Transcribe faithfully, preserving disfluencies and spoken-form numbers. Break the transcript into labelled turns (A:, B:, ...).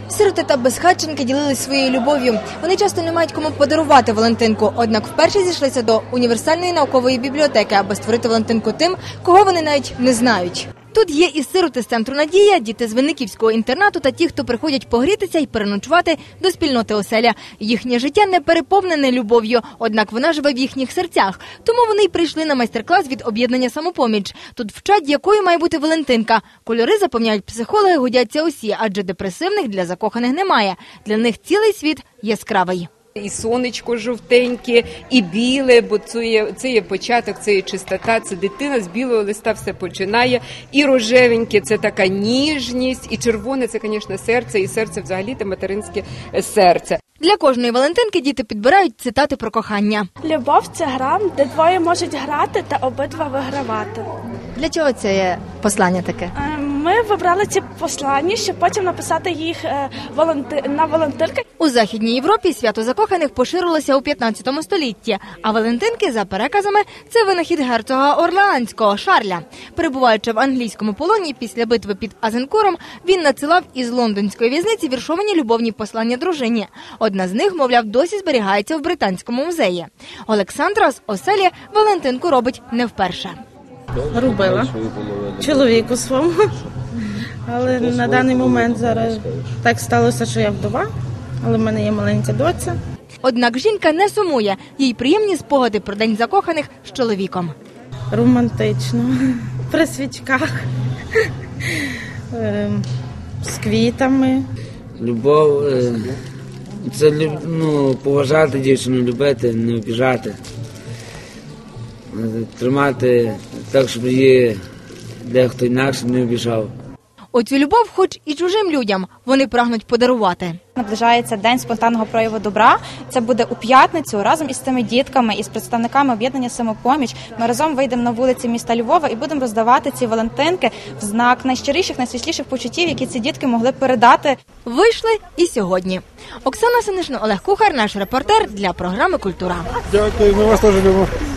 A: Сироти та безхатченки ділились своєю любов'ю. Вони часто не мають кому подарувати Валентинку, однак вперше зійшлися до універсальної наукової бібліотеки, аби створити Валентинку тим, кого вони навіть не знають. Тут є і сироти з центру «Надія», діти з Винниківського інтернату та ті, хто приходять погрітися і переночувати до спільноти оселя. Їхнє життя не переповнене любов'ю, однак вона живе в їхніх серцях. Тому вони й прийшли на майстер-клас від об'єднання «Самопоміч». Тут вчать, якою має бути Валентинка. Кольори, запевняють психологи, годяться усі, адже депресивних для закоханих немає. Для них цілий світ яскравий.
B: І сонечко жовтеньке, і біле, бо це є, це є початок, це є чистота, це дитина, з білого листа все починає. І рожевеньке – це така ніжність, і червоне – це, звісно, серце, і серце взагалі – це материнське серце.
A: Для кожної Валентинки діти підбирають цитати про кохання.
C: Любов – це гра, де двоє можуть грати та обидва вигравати.
A: Для чого це послання таке?
C: Ми вибрали ці послання, щоб потім написати їх на Валентинки.
A: У Західній Європі свято закоханих поширилося у п'ятнадцятому столітті, а Валентинки, за переказами, це винахід герцога Орлеанського Шарля. Перебуваючи в англійському полоні після битви під Азенкуром, він надсилав із лондонської в'язниці віршовані любовні послання дружині. Одна з них, мовляв, досі зберігається в Британському музеї. Олександра з оселі Валентинку робить не вперше.
D: Робила чоловіку своєму, але на даний момент зараз так сталося, що я вдова, але в мене є маленька доця.
A: Однак жінка не сумує, їй приємні спогади про День закоханих з чоловіком.
D: Романтично, при свічках, з квітами.
E: Любов – це ну, поважати дівчину, любити, не обіжати. Тримати так, щоб її дехто інакше не обіжав.
A: Оцю любов хоч і чужим людям вони прагнуть подарувати.
F: Наближається День спонтанного прояву добра. Це буде у п'ятницю разом із цими дітками, із представниками об'єднання «Самопоміч». Ми разом вийдемо на вулиці міста Львова і будемо роздавати ці Валентинки в знак найщиріших, найсвітліших почуттів, які ці дітки могли передати.
A: Вийшли і сьогодні. Оксана Синишна, Олег Кухар, наш репортер для програми «Культура».
G: Дякую, ми вас теж любимо.